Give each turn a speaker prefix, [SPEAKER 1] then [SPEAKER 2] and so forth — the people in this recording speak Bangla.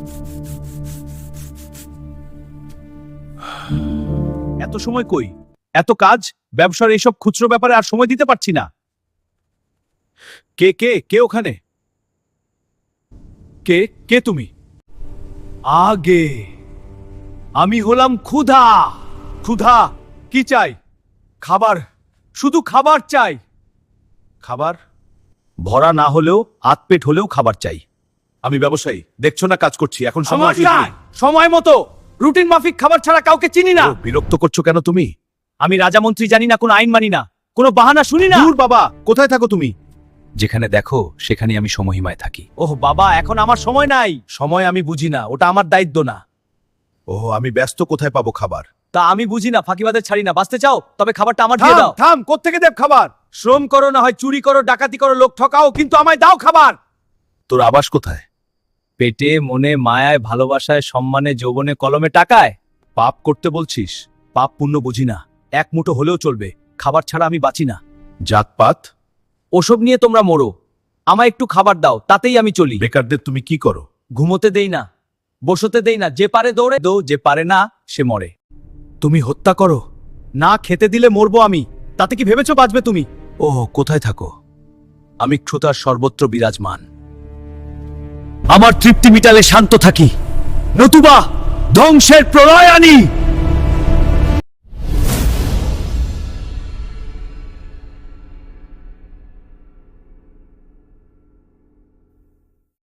[SPEAKER 1] এত সময় কই? এত কাজ, ব্যবসার এইসব খুচরো ব্যাপারে আর সময় দিতে পারছি না। কে কে কে ওখানে? কে কে তুমি? আগে আমি হলাম ক্ষুধা। ক্ষুধা কি চাই? খাবার, শুধু খাবার চাই। খাবার ভরা না হলেও আতপেট হলেও খাবার চাই। আমি ব্যবসায়ী, দেখছো না কাজ করছি। এখন সময় সময় মতো রুটিন মাফিক খাবার ছাড়া কাউকে চিনি না। বিরক্ত করছো কেন তুমি? আমি রাজামন্ত্রী জানি না, কোনো আইন মানি না, কোনো বাহানা শুনি না। দূর বাবা, কোথায় থাকো তুমি? যেখানে দেখো সেখানে আমি সমহিমায় থাকি। ওহ বাবা, এখন আমার সময় নাই। সময় আমি বুঝি না, ওটা আমার দায়িত্ব না। ওহ, আমি ব্যস্ত, কোথায় পাবো খাবার? তা আমি বুঝি না, ফাঁকিবাদের ছাড়ি না। বাঁচতে চাও তবে খাবারটা আমার দিয়ে দাও। থাম, কোত্থেকে দেব খাবার? শ্রম করো, না হয় চুরি করো, ডাকাতি করো, লোক ঠকাও, কিন্তু আমায় দাও খাবার। তোর আবাস কোথায়? পেটে, মনে, মায়ায়, ভালোবাসায়, সম্মানে, যৌবনে, কলমে, টাকায়। পাপ করতে বলছিস? পাপ পুণ্য বুঝি না, এক মুঠো হলেও চলবে, খাবার ছাড়া আমি বাঁচি না। জাতপাত ওসব নিয়ে তোমরা মরো, আমায় একটু খাবার দাও, তাতেই আমি চলি। বেকারদের তুমি কি করো? ঘুমোতে দেই না, বসতে দেই না, যে পারে দৌড়ে দো, যে পারে না সে মরে। তুমি হত্যা করো, না খেতে দিলে মরবো আমি, তাতে কি ভেবেছো বাঁচবে তুমি? ও কোথায় থাকো? আমি ক্ষুধার সর্বত্র বিরাজমান। আমার তৃপ্তি মিটালে শান্ত থাকি, নতুবা ধ্বংসের প্রলয় আনি।